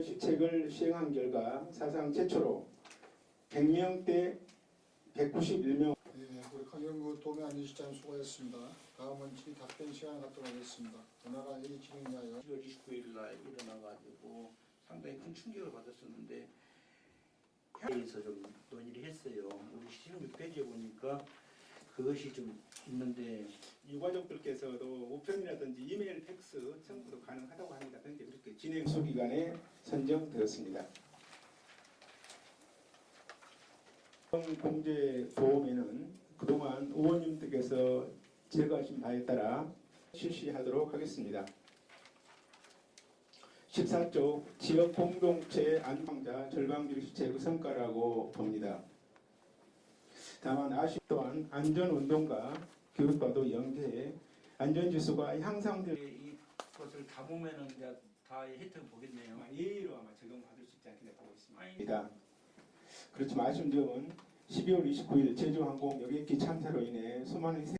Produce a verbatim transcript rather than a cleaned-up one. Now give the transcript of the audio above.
정책을 시행한 결과 사상 최초로 백 명대 백구십일 명. 네, 우리 강영구 도매안전실장 수고했습니다. 다음은 질의 답변 시간을 갖도록 하겠습니다. 전화가 이 진행하여 시월 이십구일 날 일어나가지고 상당히 큰 충격을 받았었는데 회의에서 좀 논의를 했어요. 우리 십육 페이지에 보니까 그것이 좀 있는데 유가족들께서도 우편이라든지 이메일, 팩스 청구도 가능하다고 합니다. 그런데 그렇게 진행 수기간에 선정되었습니다. 공제보험에는 그동안 의원님들께서 제거하신 바에 따라 실시하도록 하겠습니다. 십사 조 지역공동체 안방자 절방비리 수칙의 성과라고 봅니다. 다만 아쉽 또한 안전운동과 교육과도 연계해 안전지수가 향상될 이것을 다 보면은 이제 다 혜택을 보겠네요. 아마 예의로 아마 적용받을 수 있지 않겠나 보고 있습니다. 그렇지만 아쉬운 점은 십이월 이십구일 제주항공 여객기 참사로 인해 수많은